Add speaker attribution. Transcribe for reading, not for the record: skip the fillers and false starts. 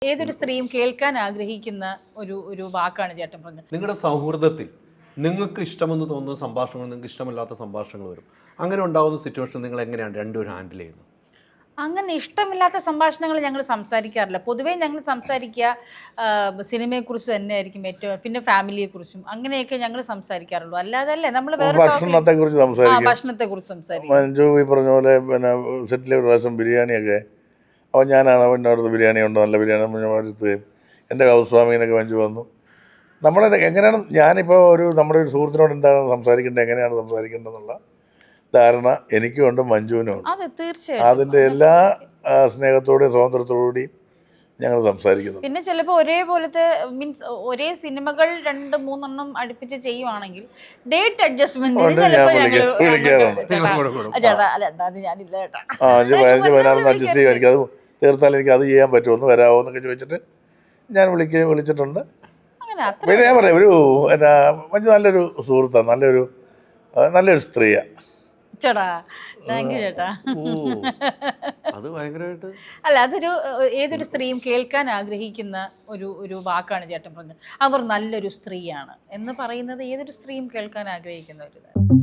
Speaker 1: ഏതൊരു സ്ത്രീയും കേൾക്കാൻ ആഗ്രഹിക്കുന്ന ഒരു വാക്കാണ് ചേട്ടൻ പറഞ്ഞത്.
Speaker 2: നിങ്ങളുടെ സൗഹൃദത്തിൽ നിങ്ങൾക്ക് ഇഷ്ടമെന്ന് തോന്നുന്ന സംഭാഷണങ്ങൾ, നിങ്ങൾക്ക് ഇഷ്ടമില്ലാത്ത സംഭാഷണങ്ങൾ വരും. അങ്ങനെ ഉണ്ടാകുന്ന സിറ്റുവേഷൻ നിങ്ങൾ എങ്ങനെയാണ് രണ്ടുപേരും ഹാൻഡിൽ ചെയ്യുന്നത്?
Speaker 1: അങ്ങനെ ഇഷ്ടമില്ലാത്ത സംഭാഷണങ്ങൾ ഞങ്ങൾ സംസാരിക്കാറില്ല. പൊതുവേ ഞങ്ങൾ സംസാരിക്കുക സിനിമയെക്കുറിച്ച് തന്നെയായിരിക്കും ഏറ്റവും, പിന്നെ ഫാമിലിയെക്കുറിച്ചും അങ്ങനെയൊക്കെ ഞങ്ങൾ സംസാരിക്കാറുള്ളൂ. അല്ലാതെ നമ്മൾ വേറെ ഭക്ഷണത്തെക്കുറിച്ച് സംസാരിക്കും.
Speaker 3: മഞ്ജു ഈ പറഞ്ഞ പോലെ പിന്നെ സെറ്റിലെ ഒരു പ്രാവശ്യം ബിരിയാണിയൊക്കെ അപ്പോൾ ഞാനാണ് പിന്നെ അവിടുത്തെ ബിരിയാണി ഉണ്ട്, നല്ല ബിരിയാണി വരുത്തുകയും എൻ്റെ ഹൗസ് വാമിങ്ങിനൊക്കെ മഞ്ജു വന്നു. നമ്മൾ എങ്ങനെയാണ് ഞാനിപ്പോൾ നമ്മുടെ ഒരു സുഹൃത്തിനോട് എന്താണ് സംസാരിക്കേണ്ടത്, എങ്ങനെയാണ് സംസാരിക്കേണ്ടതെന്നുള്ള ധാരണ എനിക്കും ഉണ്ട്, മഞ്ജുവിനും ഉണ്ട്.
Speaker 1: തീർച്ചയായും
Speaker 3: അതിൻ്റെ എല്ലാ സ്നേഹത്തോടെയും സ്വാതന്ത്ര്യത്തോടുകൂടിയും ഞങ്ങൾ സംസാരിക്കുന്നു.
Speaker 1: പിന്നെ ചിലപ്പോൾ ഒരേപോലത്തെ മീൻസ് ഒരേ സിനിമകൾ 2-3 അടുപ്പിച്ച് ചെയ്യുവാണെങ്കിൽ ഡേറ്റ് അഡ്ജസ്റ്റ്മെന്റ്
Speaker 3: അഡ്ജസ്റ്റ് ചെയ്യും. എനിക്കത് തീർത്താൽ എനിക്ക് അത് ചെയ്യാൻ പറ്റുമോ, ഒന്ന് വരാമോ എന്നൊക്കെ ചോദിച്ചിട്ട് ഞാൻ വിളിച്ചിട്ടുണ്ട്. പിന്നെ ഞാൻ പറയാം, എന്നാ മഞ്ജു നല്ലൊരു സുഹൃത്താണ്, നല്ലൊരു സ്ത്രീയാണ്.
Speaker 1: ചേട്ടാ താങ്ക് യു ചേട്ടാ.
Speaker 2: അത് ഭയങ്കരമായിട്ട്
Speaker 1: അല്ല, ഏതൊരു സ്ത്രീയും കേൾക്കാൻ ആഗ്രഹിക്കുന്ന ഒരു വാക്കാണ് ചേട്ടൻ പറഞ്ഞത്. അവർ നല്ലൊരു സ്ത്രീയാണ് എന്ന് പറയുന്നത് ഏതൊരു സ്ത്രീയും കേൾക്കാൻ ആഗ്രഹിക്കുന്ന ഒരു